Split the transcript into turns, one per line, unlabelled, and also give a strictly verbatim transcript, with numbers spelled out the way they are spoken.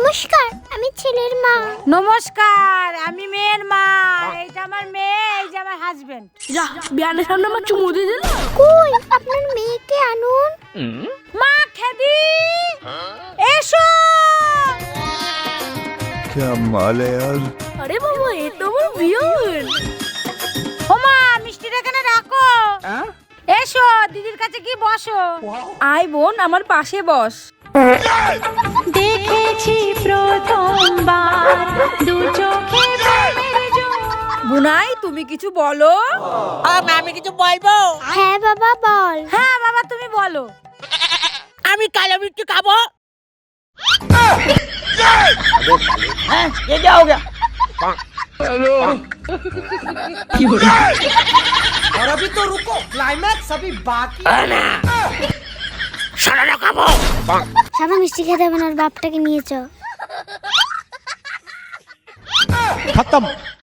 নমস্কার, আমি ছেলের মা।
নমস্কার, আমি মেয়ের মা। এইটা আমার মেয়ে, এই যে আমার হাজবেন্ড।
যা বিয়ানের সামনে আমার চুমু দিয়ে দিল।
কই আপনার মেয়েকে আনুন।
মা খেদি এসো।
क्या माल है यार।
আরে বাবা, এ তো আমার বিয়ান।
ও মা, মিষ্টিটা এখানে রাখো। এসো দিদির কাছে কি বসো।
আয় বোন, আমার পাশে বস।
দেখেছি প্রথমবার দু চোখে প্রেমের জোয়ার।
বুনাই, তুমি কিছু বলো।
আমি কিছু বলবো?
হ্যাঁ বাবা বল।
হ্যাঁ বাবা, তুমি বলো।
আমি কালো মিষ্টি খাবো। হ্যাঁ, ये क्या हो गया?
और अभी तो रुको, क्लाइमैक्स अभी बाकी।
সারাটা খাবো।
সাবা মিষ্টি খেতে হবে না, ওর বাপটাকে নিয়ে চ।
खत्म।